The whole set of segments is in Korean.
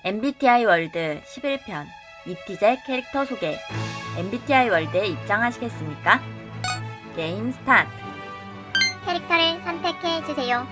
MBTI 월드 11편 이티제 캐릭터 소개. MBTI 월드에 입장하시겠습니까? 게임 스타트. 캐릭터를 선택해주세요.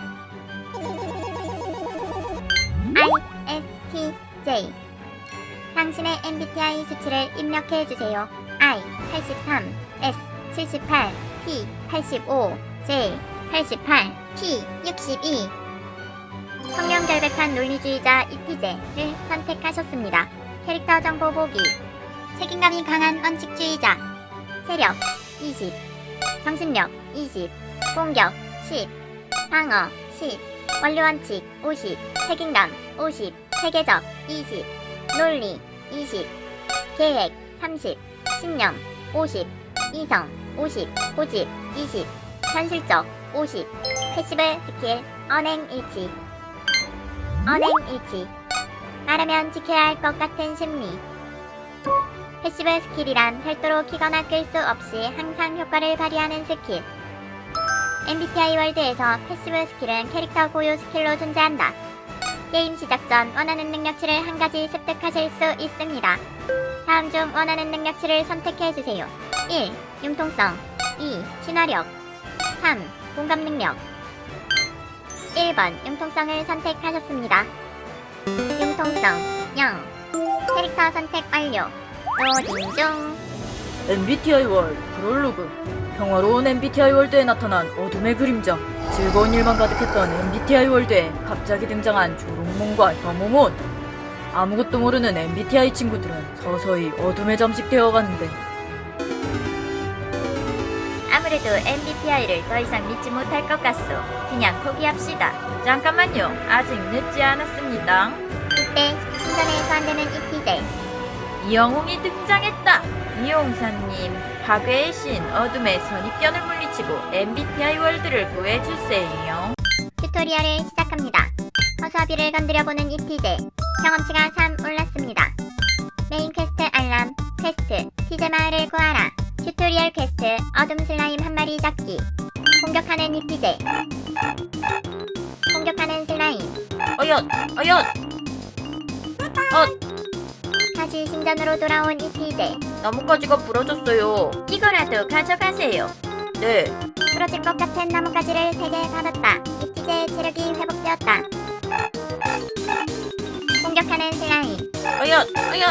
ISTJ. 당신의 MBTI 수치를 입력해주세요. I 83, S 78, T 85, J 88, P 62. 성명결백한 논리주의자 이티제를 선택하셨습니다. 캐릭터 정보 보기. 책임감이 강한 원칙주의자. 체력 20, 정신력 20, 공격 10, 방어 10, 원리원칙 50, 책임감 50, 세계적 20, 논리 20, 계획 30, 신념 50, 이성 50, 고집 20, 현실적 50, 패시브 스킬 언행일치. 언행일치. 말하면 지켜야 할 것 같은 심리. 패시브 스킬이란 별도로 키거나 끌 수 없이 항상 효과를 발휘하는 스킬. MBTI 월드에서 패시브 스킬은 캐릭터 고유 스킬로 존재한다. 게임 시작 전 원하는 능력치를 한 가지 습득하실 수 있습니다. 다음 중 원하는 능력치를 선택해주세요. 1. 융통성 2. 친화력 3. 공감 능력. 1번 융통성을 선택하셨습니다. 융통성 0. 캐릭터 선택 완료. 로딩 중. MBTI 월드 프롤로그. 평화로운 MBTI 월드에 나타난 어둠의 그림자. 즐거운 일만 가득했던 MBTI 월드에 갑자기 등장한 조롱몬과 혐오몬. 아무것도 모르는 MBTI 친구들은 서서히 어둠에 잠식되어 가는데, 아무래도 MBTI를 더 이상 믿지 못할 것 같소. 그냥 포기합시다. 잠깐만요. 아직 늦지 않았습니다. 이때 신전에서 안되는 이티제. 이영웅이 등장했다. 이용사님, 파괴의 신 어둠의 선입견을 물리치고 MBTI 월드를 구해주세요. 튜토리얼을 시작합니다. 허수아비를 건드려보는 이티제. 경험치가 3 올랐습니다. 메인 퀘스트 알람, 퀘스트 티제 마을을 구하라. 튜토리얼 퀘스트 어둠 슬라임 한 마리 잡기. 공격하는 이티제. 공격하는 슬라임. 어엿! 다시 신전으로 돌아온 이티제. 나뭇가지가 부러졌어요. 이거라도 가져가세요. 네. 부러질 것 같은 나뭇가지를 3개 받았다. 이티제의 체력이 회복되었다. 공격하는 슬라임. 어엿!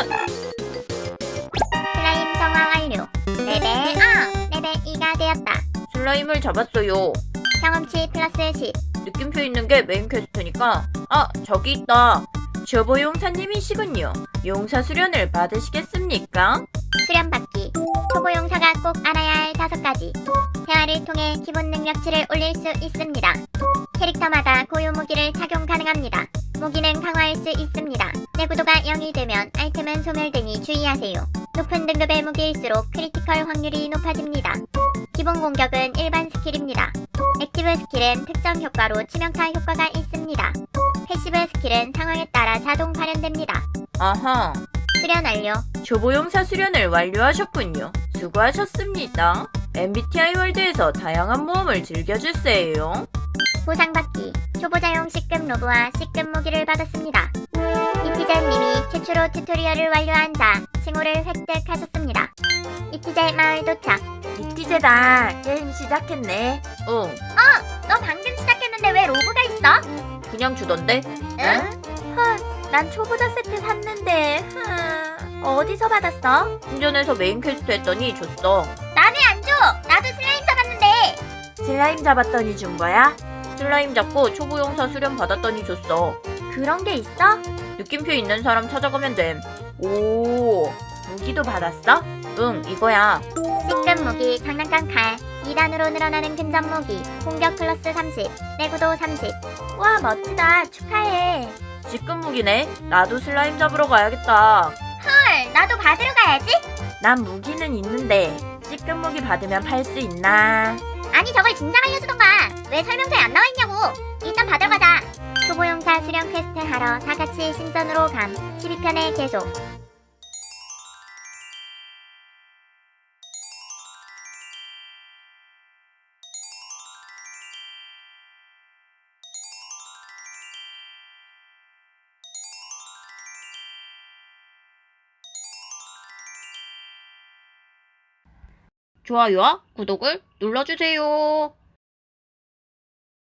슬라임 정화 완료. 레벨 레벨 2가 되었다. 슬라임을 잡았어요. 경험치 플러스 10. 느낌표 있는 게 메인 퀘스트니까. 저기 있다. 저보 용사님이시군요. 용사 수련을 받으시겠습니까? 수련받기. 초보용사가 꼭 알아야 할 5가지. 대화를 통해 기본 능력치를 올릴 수 있습니다. 캐릭터마다 고유 무기를 착용 가능합니다. 무기는 강화할 수 있습니다. 내구도가 0이 되면 아이템은 소멸되니 주의하세요. 높은 등급의 무기일수록 크리티컬 확률이 높아집니다. 기본 공격은 일반 스킬입니다. 액티브 스킬은 특정 효과로 치명타 효과가 있습니다. 패시브 스킬은 상황에 따라 자동 발현됩니다. 아하. 수련 완료. 초보 용사 수련을 완료하셨군요. 수고하셨습니다. MBTI 월드에서 다양한 모험을 즐겨주세요. 보상받기. 초보자용 C급 로브와 C급 무기를 받았습니다. 이티제님이 최초로 튜토리얼을 완료한 자 칭호를 획득하셨습니다. 이티제 마을 도착. 이티제다. 게임 시작했네. 응. 너 방금 시작했는데 왜 로브가 있어? 그냥 주던데? 응? 난 초보자 세트 샀는데. 어디서 받았어? 신전에서 메인 퀘스트 했더니 줬어. 나는 안 줘. 나도 슬라임 잡았는데. 슬라임 잡았더니 준 거야? 슬라임 잡고 초보 용사 수련 받았더니 줬어. 그런 게 있어? 느낌표 있는 사람 찾아가면 됨. 오, 무기도 받았어? 응, 이거야. C급 무기 장난감 칼. 2단으로 늘어나는 근접 무기. 공격 플러스 30. 내구도 30. 와 멋지다. 축하해. C급 무기네. 나도 슬라임 잡으러 가야겠다. 헐, 나도 받으러 가야지. 난 무기는 있는데 C급 무기 받으면 팔 수 있나? 아니 저걸 진작 알려주던가. 왜 설명서에 안 나와있냐고. 일단 받으러 가자. 초보용사 수련 퀘스트 하러 다같이 신전으로 감. 12편의 계속. 좋아요와 구독을 눌러주세요.